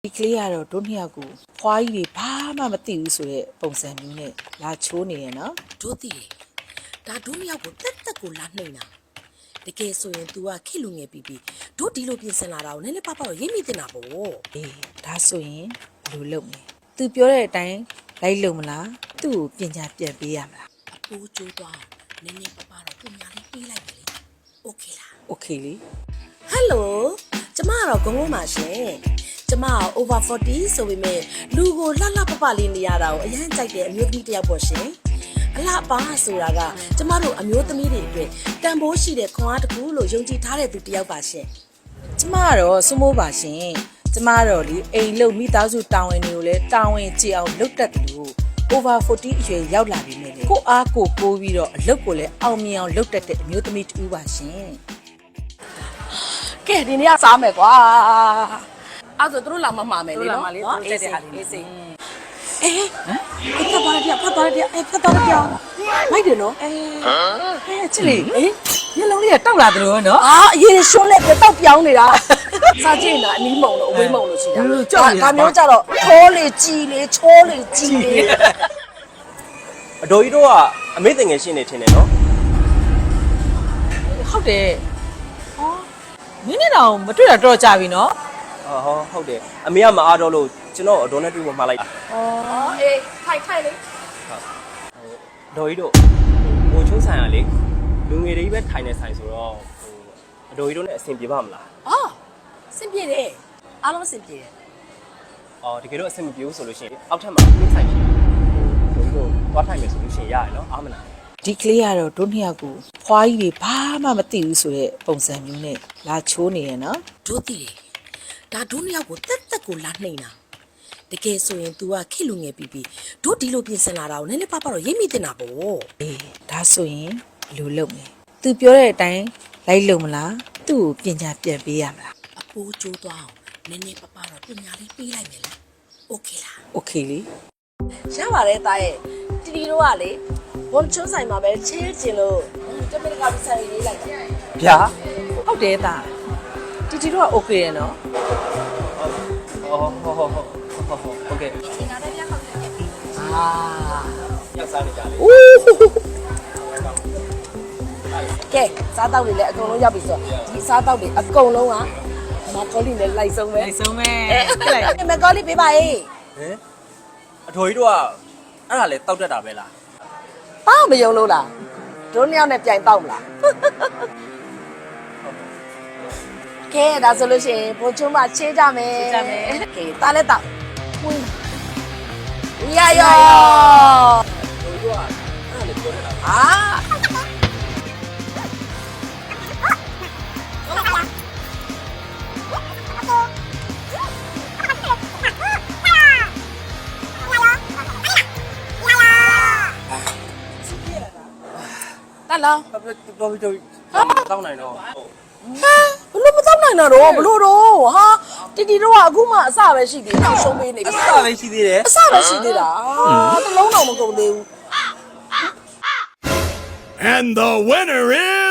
ဒီကလေးကတော့တို့နှစ်ယောက်ကိုဖွားကြီးတွေဘာမှမသိဘူးဆိုတဲ့ပုံစံမျိုးနဲ့လာချိုးနေရနော်တို့တည်တယ်ဒါတို့နှစ်ယောက်ကိုတက်တက်ကိုလာနှိမ့်တာတကယ်ဆိုရင် तू ကခိလူငယ်ပြီးတို့ဒီလိုပြင်ဆင်လာတာကိုနည်းနည်းပါးပါတော့ရိပ်မိတင်တာပေါ့အေးဒါဆိုရင်ဘယ်လိုလုပ်မလဲသူပြောတဲ့အတိုင်းလိုက်လုပ်မလားသူ့ကိုပညာပြန်ပေးရမလားအပူကျိုးသွားနည်းနည်းပါးပါတော့ပညာလေးပေးလိုက်တယ်လေโอเคလားโอเคလေဟယ်လိုကျမကတော့ဂုံးပါရှင်ကျမက over 40ဆိုပေမဲ့လူကိုလှလှပပလေးနေရတာကိုအရင်ကြိုက်တဲ့အမျိုးသမီးတစ်ယောက်ပေါ့ရှင်အလှပါဆိုတာကကျမတို့အမျိုးသမီးတွေအတွက်တန်ဖိုးရှိတဲ့ခွန်အားတစ်ခုလို့ယုံကြည်ထားတဲ့သူတစ်ယောက်ပါရှင်ကျမကတော့စမိုးပါရှင်ကျမကတော့လေအိမ်လုံမိသားစုတာဝန်တွေကိုလည်းတာဝန်ကြည့်အောင်လုပ်တတ်တယ်လို့ over 40အရွယ်ရောက်လာပြီနဲ့လေကိုအားကိုပိုးပြီးတော့အလုပ်ကိုလည်းအောင်မြင်အောင်လုပ်တတ်တဲ့အမျိုးသမီးတူပါရှင်ကဲဒီနေ့ကစားမယ်ကွာအဲ့ဆိုတို့လာမမှာမယ်လေနော်အေးစိအေးစိအေးဖတ်သွားတယ်ဖတ်သွားတယ်ဖတ်သွားတယ်မိုက်တယ်နော်ချစ်လေမျက်လုံးလေးကတောက်လာတယ်လို့နော်အာအရေးရှုံးလက်ပြတောက်ပြောင်းနေတာစားကြည့်နေတာအနီးမုံလို့အဝေးမုံလို့ရှိတာဒါမျိုးကြတော့ထိုးလေကြည်လေချိုးလေကြည်လေအတော်ကြီးတို့ကအမေတင်ငယ်ရှင်းနေထင်တယ်နော်ဟုတ်တယ်ဟောမင်းနဲ့တော့မတွေ့တာတော့ကြာပြီနော်ဟုတ်တယ်အမေကမအားတော့လို့ကျွန်တော်အတော်နဲ့တွေ့ဖို့မှားလိုက်တာအေးခိုင်လေအတော်ကြီးတို့ဟိုချုံးဆိုင်ရလေလူငယ်တွေပဲထိုင်နေဆိုင်ဆိုတော့အတော်ကြီးတို့နဲ့အဆင်ပြေပါမလားအော်စင်ပြေတယ်အားလုံးစင်ပြေတယ်တကယ်တော့အဆင်မပြေဘူးဆိုလို့ရှိရင်အောက်ထပ်မှာပြင်းဆိုင်ရှိတယ်တို့သွားထိုင်မယ်ဆိုလို့ရှိရင်ရတယ်နော်အားမလားဒီကလေးကတော့တို့နှစ်ယောက်ကိုဖွားကြီးတွေဘာမှမသိဘူးဆိုတဲ့ပုံစံမျိုးနဲ့လာချိုးနေရနော်တို့တည်တယ်ဒါတို့နှစ်ယောက်ကိုတက်တက်ကိုလာနှိမ့်တာတကယ်ဆိုရင် तू ကခိလူငယ်ပြီးတို့ဒီလိုပြင်ဆင်လာတာကိုနည်းနည်းပါးပါတော့ရိပ်မိတင်တာပေါ့အေးဒါဆိုရင်ဘယ်လိုလုပ်မလဲသူပြောတဲ့အတိုင်းလိုက်လုပ်မလားသူ့ကိုပညာပြန်ပေးရမလားအပူကျိုးသွားနည်းနည်းပါးပါတော့ပညာလေးပေးလိုက်မယ်လားโอเคလားโอเคလေရပါတယ်တာရဲ့တီတီတို့ကလေဘွန်ချွန်းဆိုင်မှာပဲချေးကျင်လို့တမင်ကပြီးဆိုင်လေးလိုက်တာဗျာဟုတ်တယ်သားတီတီတို့ကโอเคရနော်ဟုတ်ကဲ့အာရောက်စားနေကြလေကဲစားတောက်တွေလည်းအကုန်လုံးရောက်ပြီဆိုတော့ဒီစားတောက်တွေအကုန်လုံးကမကောလီနဲ့လိုက်ဆုံးပဲလိုက်ဆုံးပဲမကောလီပေးပါရေးဟင်အတော်ကြီးတို့ကအဲ့ဒါလေတောက်တတ်တာပဲလားဘာမယုံလို့လားတို့နှစ်ယောက်နဲ့ပြိုင်တောက်မလားကဲဒါဆိုလို့ရှိရင်ဘုံချုံးမချေးကြမယ်ကဲတားလက်တောက်ဝင်ရရောတို့ကအဲ့ဒါလေပြောနေတာအာလာတော်ပြီတောင်းနိုင်တော့ဘလို့မတောက်နိုင်တော့ဘလို့တော့ဟာတီတီတော့အခုမှအစပဲရှိသေးတယ်နောက်ရှုံးပေးနေပြီအစပဲရှိသေးတယ်အစပဲရှိသေးတာတလုံးတော့မကုန်သေးဘူး And the winner is